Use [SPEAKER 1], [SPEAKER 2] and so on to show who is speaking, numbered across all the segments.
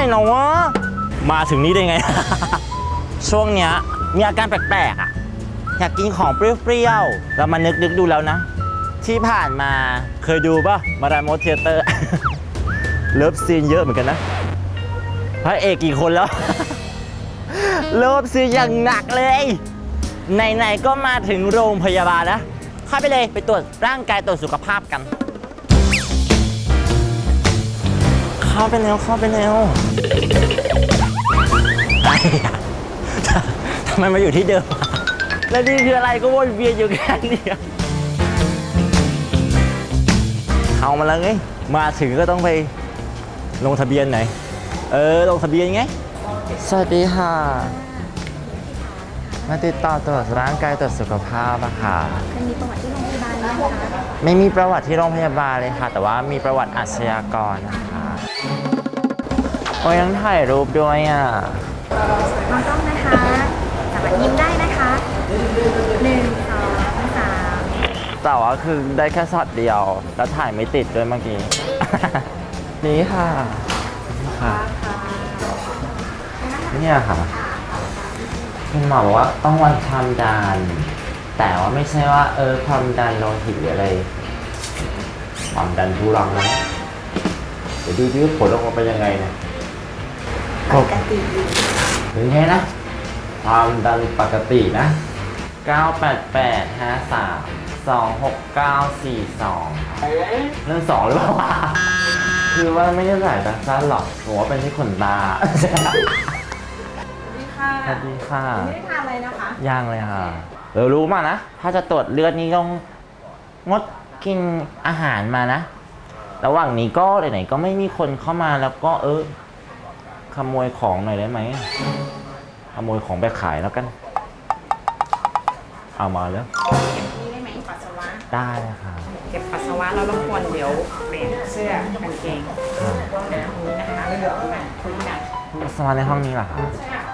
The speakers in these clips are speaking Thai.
[SPEAKER 1] เนาะมาถึงนี้ได้ไง ช่วงเนี้ยมีอาการแปลกๆอ่ะอยากกินของเปรี้ยวๆเรามานึกดูแล้วนะ ที่ผ่านมาเคยดูป่ะมาราโมเทเตอร์ เลิฟซีนเยอะเหมือนกันนะพระเอกกี่คนแล้ว เลิฟซีนอย่างหนักเลยไหนๆก็มาถึงโรงพยาบาลแล้วเข้าไปเลยไปตรวจร่างกายตรวจสุขภาพกันเข้าไปเร็วทำไมมาอยู่ที่เดิมแล้วนี่คืออะไรก็วนเวียนอยู่แค่นี้เข้ามาแล้วไงมาถึงก็ต้องไปลงทะเบียนไหนลงทะเบียนไงสวัสดีค่ะมาติดต่อตรวจร่างกายตรวจสุขภาพอะค่ะ
[SPEAKER 2] มีประวัติที่โรงพยาบาลไหมคะ
[SPEAKER 1] ไม่มีประวัติที่โรงพยาบาลเลยค่ะแต่ว่ามีประวัติอาชญากรนะคะโอ้ยยังถ่ายรูปด้วยอ่ะ
[SPEAKER 2] มองกล้องนะคะสามารถยิ้มได้นะคะ1 2 3
[SPEAKER 1] แต่ว่าคือได้แค่ช็อตเดียวแล้วถ่ายไม่ติดด้วยเมื่อกี้ นี่ค่ะเนี่ยค่ะคุณหมอบอกว่าต้องวัดความดันแต่ว่าไม่ใช่ว่าความดันโลหิตหรืออะไรความดันทุรังนะเดี๋ยวดูที่ผลออกมาเป็นยังไงนะ
[SPEAKER 2] ปกติ
[SPEAKER 1] ถึงไงนะความดันปกตินะ988532694เรื่อง2หรือเปล่าวะคือว่าไม่ได้สายตาสั้นหรอกหัวเป็นที่ขนตาสวัสดีค่ะ
[SPEAKER 2] ไม่ได้ทานอะไรนะคะ
[SPEAKER 1] ย่างเลยค่ะรู้มานะถ้าจะตรวจเลือดนี่ต้องงดกินอาหารมานะระหว่างนี้ก็ไหนๆก็ไม่มีคนเข้ามาแล้วก็ขโมยของหน่อยได้ไหมขโมยของไปขายแล้วกันเอามาแล้ว
[SPEAKER 2] นี่ได้ไหมปัสสาวะ
[SPEAKER 1] ได้ค่ะ
[SPEAKER 2] เก็บปัสสาวะแล้วรบกวนเดี๋ยวเปลี่ยนเสื้อกางเกงนะนี้นะคะเรื่องแบบคุยกัน
[SPEAKER 1] ปัสสาวะในห้องนี้เหรอคะ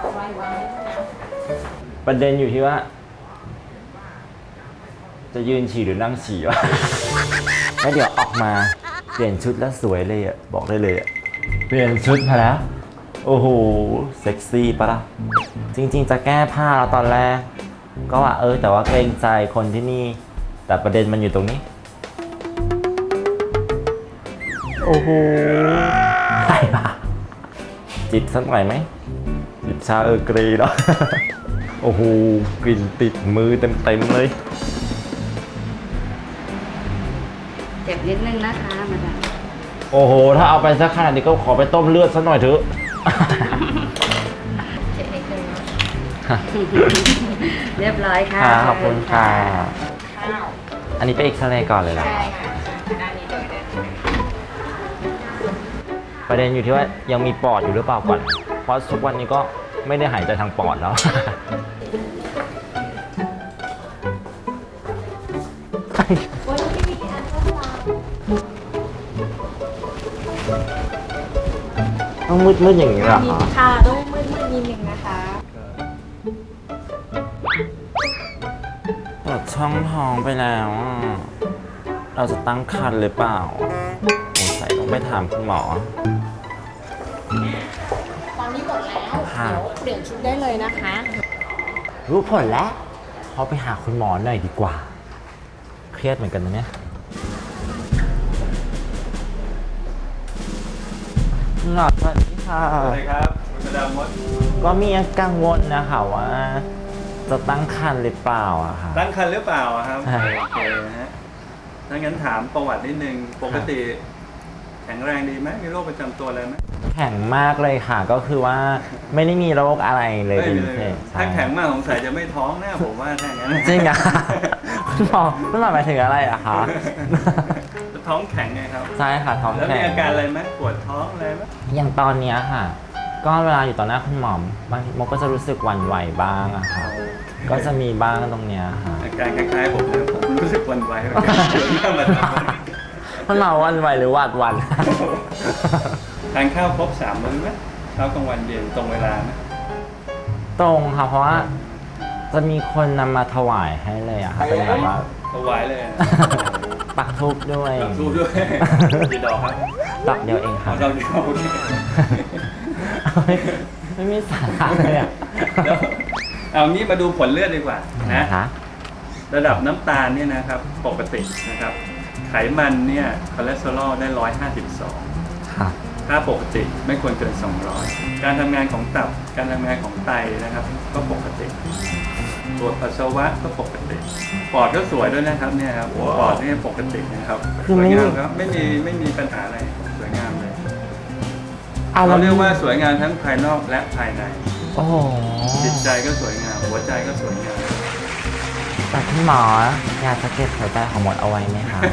[SPEAKER 1] ประเด็นอยู่ที่ว่าจะยืนฉี่หรือนั่งฉี่วะแล้วเดี๋ยวออกมาเปลี่ยนชุดแล้วสวยเลยอ่ะบอกได้เลยอ่ะเปลี่ยนชุดมาแล้วโอ้โหเซ็กซี่ปะล่ะจริงๆจะแก้ผ้าแล้วตอนแรกก็ว่าแต่ว่าเกรงใจคนที่นี่แต่ประเด็นมันอยู่ตรงนี้โอ้โหใช่ปะจิบสักหน่อยไหมจิบชาเกรย์แล้วโอ้โหกลิ่นติดมือเต็มๆเลย
[SPEAKER 2] เจ็บนิดนึงนะคะมาดาม
[SPEAKER 1] โอ้โหถ้าเอาไปสักขนาดนี้ก็ขอไปต้มเลือดสักหน่อยเถอะ
[SPEAKER 2] เจ็บนิดนึงเรียบร้อยค่ะ
[SPEAKER 1] ขอบคุณค่ะอันนี้ไปเอ็กซเรย์ก่อนเลยเหรอ
[SPEAKER 2] ใช่ค่ะด้านนี้เลย
[SPEAKER 1] ประเด็นอยู่ที่ว่ายังมีปอดอยู่หรือเปล่าก่อนเพราะทุกวันนี้ก็ไม่ได้หายใจทางปอดแล้วต้องมืดๆอย่างนี้เหรอ
[SPEAKER 2] ค่ะต้องมืดนิดนึงนะคะ
[SPEAKER 1] ปวดช่องท้องไปแล้วเราจะตั้งครรภ์หรือเปล่าสงสัยต้องไปถามคุณหมอ
[SPEAKER 2] ตอนนี้หมดแล้วเดี๋ยวเปลี่ยนชุดได้เลยนะคะ
[SPEAKER 1] รู้ผลแล้วเขาไปหาคุณหมอหน่อยดีกว่าเครียดเหมือนกันนะเนี่ยหลอดสวัสดีค่ะ
[SPEAKER 3] สวัสดีครับคุณมาดามมด
[SPEAKER 1] ก็มีกังวลนะคะว่าจะตั้งครรภ์หรือเปล่าอะค่ะ
[SPEAKER 3] ตั้งครรภ์หรือเปล่าครับ
[SPEAKER 1] ใช่
[SPEAKER 3] โอเคนะฮะถ้างั้นถามประวัตินิดนึงปกติแข็งแรงดีไหมมีโรคประจำตัวอะไรไหม
[SPEAKER 1] แข็งมากเลยค่ะก็คือว่าไม่ได้มีโรคอะไรเลยเป็นพิเศษ
[SPEAKER 3] ถ้าแข็งมากสงสัยจะไม่ท้องแน่ผมว่าถ้างั้น
[SPEAKER 1] จริงอะคุณหมอหมายถึงอะไรอะคะ
[SPEAKER 3] ท้องแข็งไงครับ
[SPEAKER 1] ใช่ค่ะท้องแข็ง
[SPEAKER 3] แล้วมีอาการอะไรไหมปวดท้องอะไรไหม
[SPEAKER 1] อย่างตอนนี้ค่ะก็เวลาอยู่ต่อหน้าคุณหมอบางทีมก็จะรู้สึกหวั่นไหวบ้างอะค่ะก็จะมีบ้างตรงเนี้ยค่ะ
[SPEAKER 3] อาการคล้ายๆผมเลยผมรู้สึกหวั่นไหว
[SPEAKER 1] คุณหมอหวั่นไหวหรือหวาดหวั่น
[SPEAKER 3] ทานข้าวครบ3 มื้อไหมเช้ากลางวันเย็นตรงเวลาไหม
[SPEAKER 1] ตรงค่ะเพราะว่าจะมีคนนำมาถวายให้เลยอะค่ะเป็นแบบว่า
[SPEAKER 3] ถวายเลย
[SPEAKER 1] ปักทูบด้วย
[SPEAKER 3] ปักทูบด้วยกี่ดอกครับ
[SPEAKER 1] ดอกเดียวเองค่ะ
[SPEAKER 3] ดอกเดียว
[SPEAKER 1] ไม่มีสาระเลยอ่ะ
[SPEAKER 3] แล้วเอางี้มาดูผลเลือดดีกว่านะ
[SPEAKER 1] คะ
[SPEAKER 3] ระดับน้ำตาลเนี่ยนะครับปกตินะครับไขมันเนี่ยคอเลสเตอรอลได้ 152
[SPEAKER 1] ค่ะ
[SPEAKER 3] ค่าปกติไม่ควรเกิน 200 การทำงานของตับการทำงานของไตนะครับก็ปกติตรวจปัสสาวะก็ปกติปอดก็สวยด้วยนะครับเนี่ยครับปอดนี่ปกตินะครับ
[SPEAKER 1] คือ
[SPEAKER 3] ส
[SPEAKER 1] ไม่
[SPEAKER 3] วยงามครับไม่มีปัญหาอะไรสวยงามเลย
[SPEAKER 1] อ่ะ
[SPEAKER 3] เรา
[SPEAKER 1] แล้ว
[SPEAKER 3] เรียกว่าสวยงามทั้งภายนอกและภายใน
[SPEAKER 1] โอ้โห
[SPEAKER 3] จิตใจก็สวยงามหัวใจก็สวยงาม
[SPEAKER 1] แต่คุณหมออยากจะเก็บหัวใจของมดเอาไว้ไหมคะ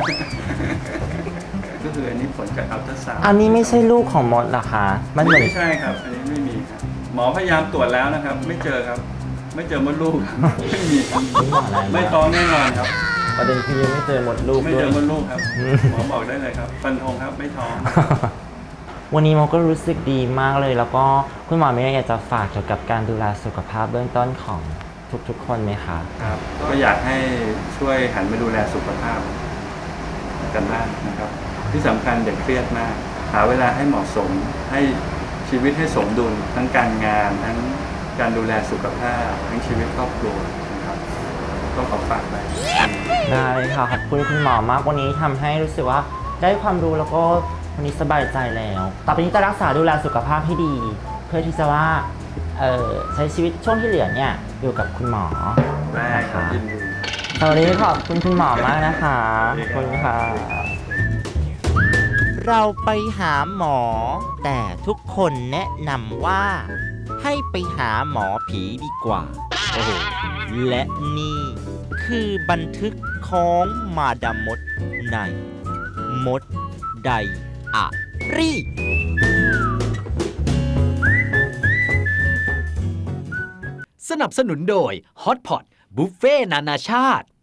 [SPEAKER 3] ก็คืออันนี้ผลจากอัลตราซาวด์
[SPEAKER 1] อันนี้ไม่ใช่ลูกของมดเหรอคะ มันเหมือน
[SPEAKER 3] ไม่ใช่ครับ อันนี้ไม่มีครับ หมอพยายามตรวจแล้วนะครับ ไม่เจอครับ ไม่เจอมดลูกครับ ไม่มีครับ
[SPEAKER 1] ไม่หมออะไร
[SPEAKER 3] ไม่ท้องแน่นอนครับ
[SPEAKER 1] ประเด็นคือยังไม่เจอมดลูก
[SPEAKER 3] ไม่
[SPEAKER 1] ด้ว
[SPEAKER 3] เจ
[SPEAKER 1] ย
[SPEAKER 3] อมดลูกครับ หมอบอกได้เลยครับ ฟันธงครับ ไม่ท้อง
[SPEAKER 1] วันนี้มดก็รู้สึกดีมากเลย แล้วก็คุณหมอมีอะไรอยากจะฝากเกี่ยวกับการดูแลสุขภาพเบื้องต้นของทุกๆคนไหมคะ
[SPEAKER 3] ครับ ก็อยากให้ช่วยหันมาดูแลสุขภาพกันบ้างนะครับ ที่สำคัญเด็กเครียดมาก หาเวลาให้เหมาะสม ให้ชีวิตให้สมดุล ทั้งการงาน ทั้งการดูแลสุขภาพ ทั้งชีวิตครอบครัวนะครับ ก็ขอฝากไว้
[SPEAKER 1] ได้เลยค่ะขอบคุณคุณหมอมากวันนี้ทำให้รู้สึกว่าได้ความรู้แล้วก็วันนี้สบายใจแล้ว ต่อไปนี้จะรักษาดูแลสุขภาพให้ดี เพื่อที่จะว่าใช้ชีวิตช่วงที่เหลือเนี่ยอยู่กับคุณหมอ
[SPEAKER 3] ได้ครับยินดี
[SPEAKER 1] สวัสดีขอบคุณคุณหมอมากนะคะขอบคุณค่ะ เราไปหาหมอ แต่ทุกคนแนะนำว่า ให้ไปหาหมอผีดีกว่า โอ้โห และนี่คือบันทึกของมาดามมดในมดไดอารี่
[SPEAKER 4] สนับสนุนโดย Hot Pot บุฟเฟ่นานาชาติ